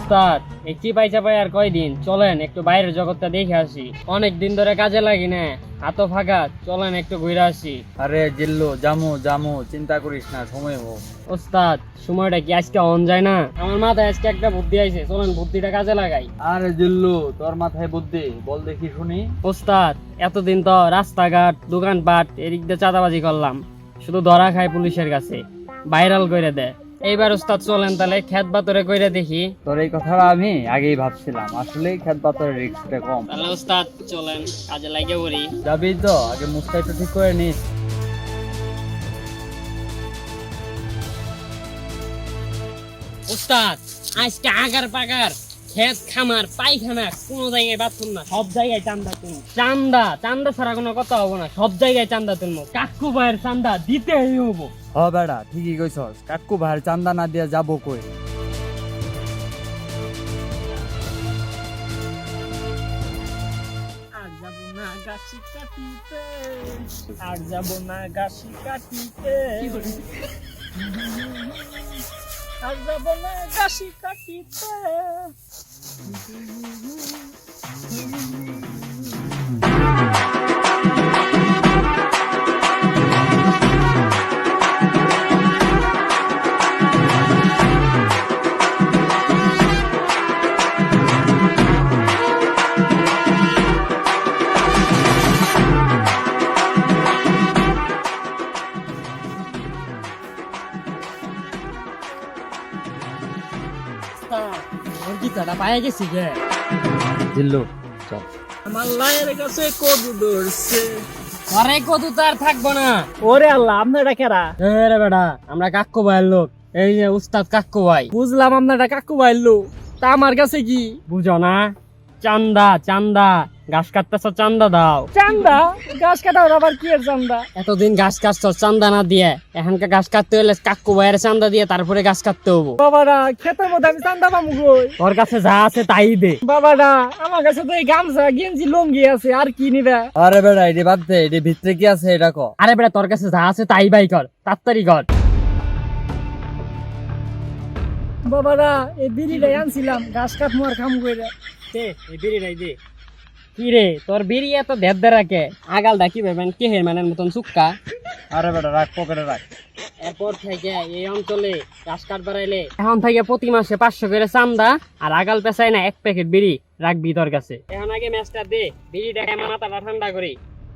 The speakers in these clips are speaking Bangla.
ওস্তাদ এই চিপাই চাপাই আর কয়দিন, চলেন একটু বাইরের জগৎটা দেখে আসি। অনেক দিন ধরে কাজে লাগি না, হাতও ফাঁকা, চলেন একটু ঘুরে আসি। আরে জিল্লু, জামু জামু, চিন্তা করিস না, সময় হোক। ওস্তাদ সময়টা কি আজকে অন যায় না? আমার মাথায় আজকে একটা বুদ্ধি আইছে, চলেন বুদ্ধিটা কাজে লাগাই। আরে জিল্লু, তোর মাথায় বুদ্ধি, বল দেখি শুনি। ওস্তাদ এতদিন তো রাস্তাঘাট দোকানপাট এদিক দিয়ে চাঁদাবাজি করলাম, শুধু ধরা খায় পুলিশের কাছে, ভাইরাল করে দেয়। এইবার ওস্তাদ চলেন তাহলে খেত বাতরে কইরা দেখি। তোর এই কথাটা আমি আগেই ভাবছিলাম, আসলেই খেত পাতার রিস্কটা কম। তাহলে ওস্তাদ চলেন কাজে লাগে পড়ি। যাবি তো? আগে মুখটা একটু ঠিক করে নিস। ওস্তাদ আজকে আগার পাগার খেত খামার পায়খানা কোনো জায়গায় বাথরুম না, সব জায়গায় চান্দা তুলবো। চান্দা চান্দা ছাড়া কোনো কথা হবো না, সব জায়গায় চান্দা তুলবো। কাকু ভাইয়ের চান্দা দিতেই হবো। হ বেড়া, ঠিকই কইছস, কাকু ভাইয়ের চান্দা না দিয়া যাবো কই? আর যাবো না গাছি কাটিতে, আর যাবো না গাছি কাটিতে, আর যাবো না গাছি কাটিতে। গীতাটা পায়ে গেছি গে। জিল্লু চল। আমার লায়ের কাছে কদু ধরছে, আরে কদু তো আর থাকবো না। ওরে আল্লাহ, আপনারা কেরা? রে বেটা, আমরা কাক্কু ভাইয়ের লোক, এই যে উস্তাদ কাক্কু ভাই। বুঝলাম আপনারা কাক্কু ভাইয়ের লোক, তা আমার কাছে কি বুঝো না? চান্দা চান্দা, ঘাস কাটতেছ চান্দা দাও। চান্দা? ঘাস কাটাও আবার কি এর চান্দা? এতদিন ঘাস কাটছ চান্দা না দিয়ে, এখনকার ঘাস কাটতে হলে কাক্কু ভাইয়ের চান্দা দিয়ে তারপরে ঘাস কাটতে হবো। বাবারা খেতের মধ্যে আমি চান্দা পাবো কই? ওর কাছে যা আছে তাই দে। বাবারা আমার কাছে তো এই গামছা গেঞ্জি লুঙ্গি আছে, আর কি নিবে? আরে বেড়া, এটি বাদ দে, এটি ভিতরে কি আছে এটা ক। আরে বেটা তোর কাছে যা আছে তাই বাই কর, তাড়াতাড়ি কর। বাবারা এই বিড়িটাই আনছিলাম, ঘাস কাটমু আর খাম কইরা। দে এই বিড়িটাই দে। কি রে তোর বিড়ি এত দেড় রাখে, আগালটা কি ভাবেন কে হের মানের মতন চুক্কা? আরে বেড়া রাখ, পকেটে রাখ। এরপর থেকে এই অঞ্চলে ঘাস কাট বাড়াইলে এখন থেকে প্রতি মাসে 500 করে চান্দা, আর আগাল পেছায় না 1 প্যাকেট বিড়ি রাখবি তোর কাছে। এখন আগে ম্যাচটা দে, বিড়িটা মাথাটা ঠান্ডা করি।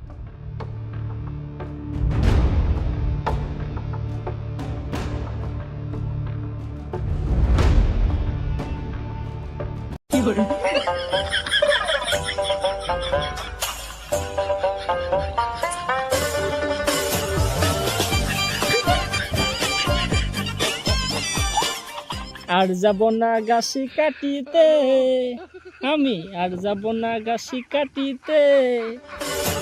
আর যাব না গাছি কাটিতে, আমি আর যাব না গাছি কাটিতে।